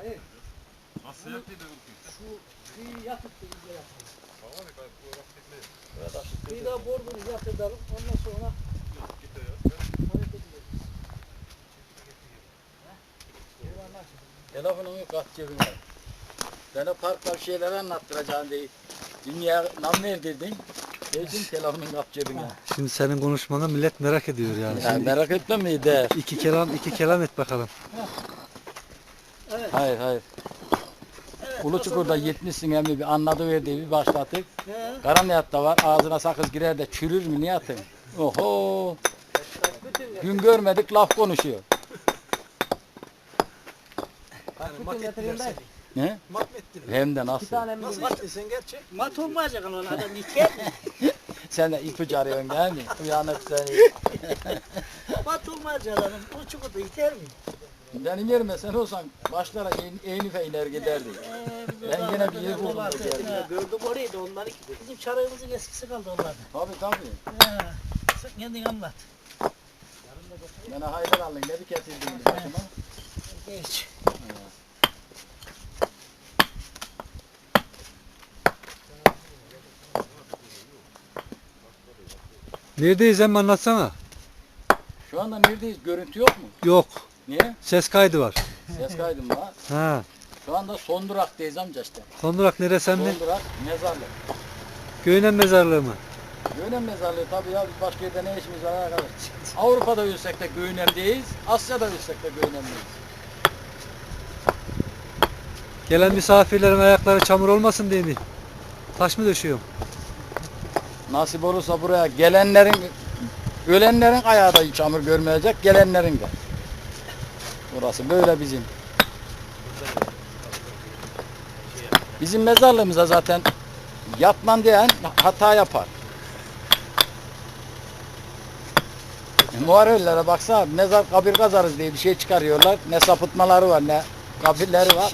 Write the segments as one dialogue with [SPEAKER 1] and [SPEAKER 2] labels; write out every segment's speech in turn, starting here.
[SPEAKER 1] Hayır.
[SPEAKER 2] Nasıl yaptıydı
[SPEAKER 1] Şu kıyı yatıp da iyice yapalım.
[SPEAKER 2] Tamam mı?
[SPEAKER 1] Kıyıda bordunu yatıralım. Ondan sonra hareket ederiz.
[SPEAKER 3] Telefonumu kat cebine. Bana parkta bir şeyler anlattıracağım diye. Dünya nam verdirdin. Dedim telefonun kap cebine.
[SPEAKER 4] Şimdi senin konuşmanı millet merak ediyor yani.
[SPEAKER 3] Ya
[SPEAKER 4] Şimdi
[SPEAKER 3] merak etme mi der.
[SPEAKER 4] iki kelam et bakalım.
[SPEAKER 1] Evet.
[SPEAKER 3] Hayır hayır.
[SPEAKER 1] Evet.
[SPEAKER 3] Uluçukur'da gitmişsin emmi bir anlatıverdi bir başlattık.
[SPEAKER 1] He.
[SPEAKER 3] Karaniyatta var ağzına sakız girer de çürür mü niye atın? Oho.
[SPEAKER 1] Bütün
[SPEAKER 3] Gün görmedik laf konuşuyor.
[SPEAKER 1] bütün getireyim ben.
[SPEAKER 3] Ne?
[SPEAKER 4] Mat ettin.
[SPEAKER 3] Hem de
[SPEAKER 1] Bir
[SPEAKER 3] nasıl?
[SPEAKER 1] tane mi?
[SPEAKER 4] Nasıl sen gerçek?
[SPEAKER 1] Mat olmayacak lan adam iker mi?
[SPEAKER 3] Sen de ipucu arıyorsun değil mi? Uyanık seni.
[SPEAKER 1] Mat olmayacak adam. O çukurda iter mi?
[SPEAKER 3] Benim yerime sen olsan başlara eğnife iner giderdik. Ben gene bir yer buldum da geldim.
[SPEAKER 1] Gördüm orayı da onları. Bizim çarığımızın eskisi kaldı onlarda.
[SPEAKER 3] Tabii tabii.
[SPEAKER 1] Sen kendin anlat.
[SPEAKER 3] Bana haydar alın ne bir getirdin başıma.
[SPEAKER 1] Geç.
[SPEAKER 4] Neredeyiz emmi anlatsana.
[SPEAKER 3] Şu anda neredeyiz? Görüntü yok mu?
[SPEAKER 4] Yok.
[SPEAKER 3] Niye?
[SPEAKER 4] Ses kaydı var.
[SPEAKER 3] Ses kaydım var.
[SPEAKER 4] Ha.
[SPEAKER 3] Şu anda son duraktayız amca işte.
[SPEAKER 4] Son durak neresi emmi?
[SPEAKER 3] Son durak mezarlık.
[SPEAKER 4] Göğünen mezarlığı mı?
[SPEAKER 3] Göğünen mezarlığı tabii ya biz başka yerde ne işimiz var arkadaş. Avrupa'da ölsek de Göğünem'deyiz. Asya'da ölsek de Göğünem'deyiz.
[SPEAKER 4] Gelen misafirlerin ayakları çamur olmasın diye mi? Taş mı döşüyorum?
[SPEAKER 3] Nasip olursa buraya gelenlerin, ölenlerin ayağı da çamur görmeyecek, gelenlerin de. Burası böyle bizim. Bizim mezarlığımıza zaten yapman diyen hata yapar. Muharrellere baksana mezar kabir kazarız diye bir şey çıkarıyorlar. Ne sapıtmaları var ne kabirleri var.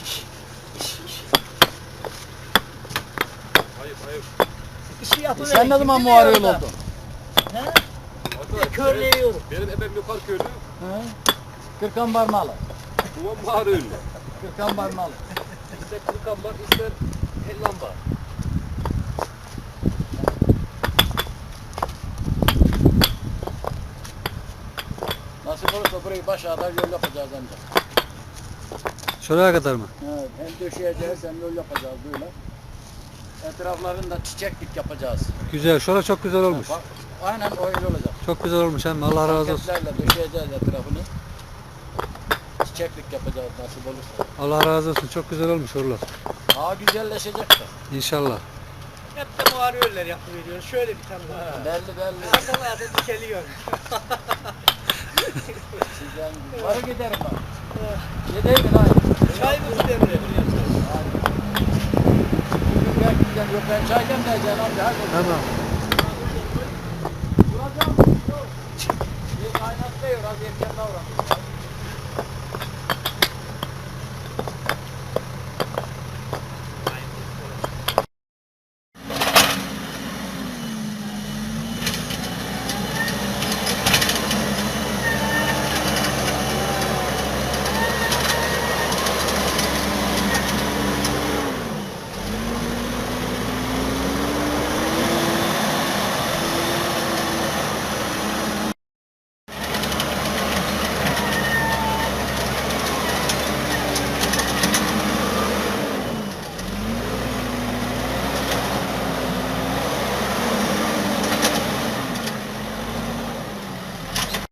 [SPEAKER 1] İşi yapıverin.
[SPEAKER 3] Sen ne zaman
[SPEAKER 1] Kim
[SPEAKER 3] muharrel
[SPEAKER 1] biliyor
[SPEAKER 3] oldun?
[SPEAKER 1] da? He? Körleyiyorum.
[SPEAKER 2] Benim ebem lokal köylü.
[SPEAKER 3] Hı? Kırkan Barmalı.
[SPEAKER 2] Babam Maharöylü.
[SPEAKER 3] Kırkan Barmalı.
[SPEAKER 2] İster kırkan var, ister hellan var.
[SPEAKER 3] Nasip olursa burayı başağıda yol yapacağız ancak.
[SPEAKER 4] Şuraya kadar mı?
[SPEAKER 3] Evet, hem döşeyeceğiz hem yol yapacağız böyle. Etraflarında çiçeklik yapacağız.
[SPEAKER 4] Güzel. Şura çok güzel olmuş.
[SPEAKER 3] Bak, aynen öyle olacak.
[SPEAKER 4] Çok güzel olmuş emmi. Allah razı olsun.
[SPEAKER 3] Paketlerle döşeyeceğiz etrafını. Çiçeklik yapacağız nasip olursa.
[SPEAKER 4] Allah razı olsun. Çok güzel olmuş oralar.
[SPEAKER 3] Daha güzelleşecek de.
[SPEAKER 4] İnşallah.
[SPEAKER 1] Hep de muharrerler yapıveriyor. Şöyle bir tane var.
[SPEAKER 3] Belli belli.
[SPEAKER 1] Sakalaya da dikeliyor.
[SPEAKER 3] Sizden var giderim bak. Yedeydin ha.
[SPEAKER 1] Çayımızı demliyor.
[SPEAKER 3] Yok ben çay demleyeceğim amca. Hadi.
[SPEAKER 4] Tamam.
[SPEAKER 3] Duracağım. Bir kaynattı ya. Az erken davran.